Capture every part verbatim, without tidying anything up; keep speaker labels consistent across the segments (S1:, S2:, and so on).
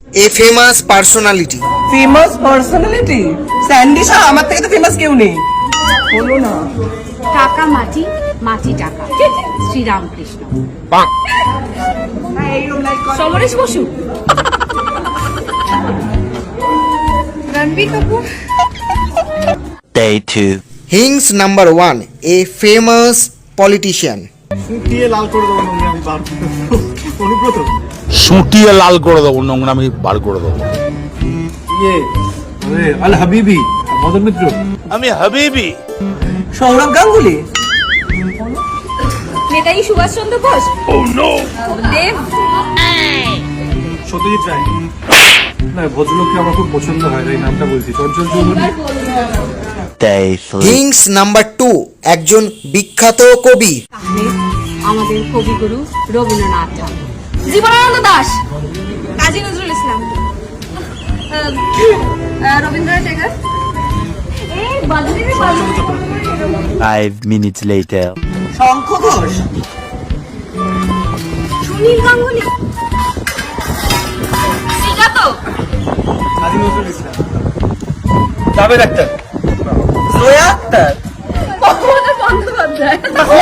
S1: এ famous personality.
S2: Famous personality Sandy Shah, আমার থেকে তো ফেমাস কেউ নেই। বলো না।
S3: টাকা মাটি, মাটি টাকা, Sri Ramakrishna. Samaresh Basu, Ranbir Kapoor.
S4: Day two.
S1: Hints number one, a famous politician.
S5: শুকিয়ে লাল করে দেবো নোংরামি বার অনুব্রত।
S6: সুটিয়ে লাল করে দেবো, নোংরামি বার করে দেবো।
S5: ইয়ে আরে আল হাবিবি মদন মিত্র।
S6: আমি হাবিবি।
S2: সৌরভ গাঙ্গুলি।
S3: নেতাজি সুভাষচন্দ্র বোস। দেব।
S5: সত্যজিৎ রায়। না, ভদ্রলোককে আমার খুব পছন্দ হয়, এই নামটা বলছি। Chanchal Chowdhury.
S4: Day three.
S1: Hints number two, একজন বিখ্যাত কবি।
S3: আমাদের কবিগুরু রবীন্দ্রনাথ ঠাকুর। জীবনানন্দ দাশ, কাজী নজরুল ইসলাম, রবীন্দ্রনাথ ঠাকুর।
S4: Five minutes later.
S2: শঙ্খ ঘোষ।
S3: সুনীল গাঙ্গুলি। শ্রীজাত।
S5: কাজী নজরুল ইসলাম। জাভেদ আখতার।
S2: জয়া আক্তার।
S3: বঙ্গবন্ধু বন্দ্যোপাধ্যায়।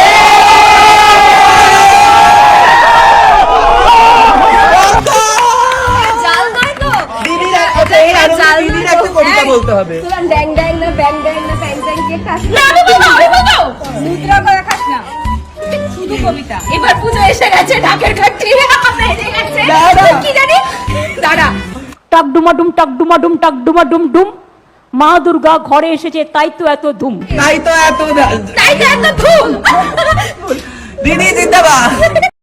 S3: জাল নয় তো?
S2: দিদির একটা এই আর দিদির একটা কবিতা বলতে হবে।
S3: তোরা ড্যাং ড্যাং না ব্যাং ব্যাং না প্যাং প্যাং দিয়ে খাস না। আমি বলবো, আমি বলবো। মুদ্রা করে খাস না। শুধু কবিতা। এবার পুজো এসে গেছে, ঢাকের ঘাটটি বেজে গেছে। কি জানি? দাঁড়া।
S7: টাক ডুমাডুম টাক ডুমাডুম টাক ডুমাডুম ডুম, মা দুর্গা ঘরে এসেছে তাই তো এত ধুম।
S2: তাই তো এত
S3: তাই তো এত ধুম।
S2: দিদি জিন্দাবাদ।